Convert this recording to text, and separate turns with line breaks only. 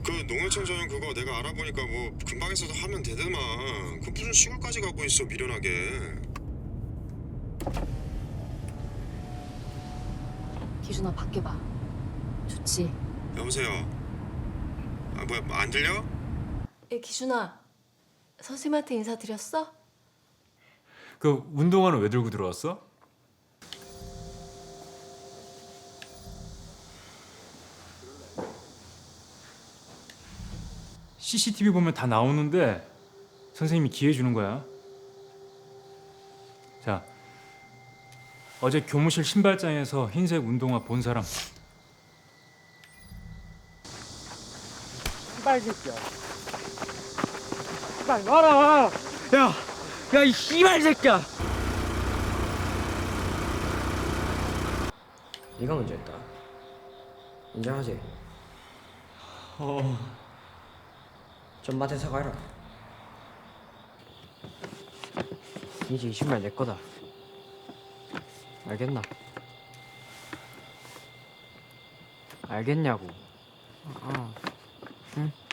그 농어촌 전용 그거 내가 알아보니까 뭐 금방에서도 하면 되더만. 그 무슨 시골까지 가고 있어 미련하게.
기준아 밖에 봐. 좋지?
여보세요. 아 뭐야 안 들려?
예, 기준아. 선생님한테 인사드렸어?
그 운동화는 왜 들고 들어왔어? CCTV 보면 다 나오는데 선생님이 기회 주는 거야. 자, 어제 교무실 신발장에서 흰색 운동화 본 사람.
씨발 새끼야. 씨발 놔라. 야 이 씨발 새끼야.
네가 먼저 했다. 인정하지? 전마한테 사과해라. 이제 이 신발 내 거다. 알겠나? 알겠냐고. 응?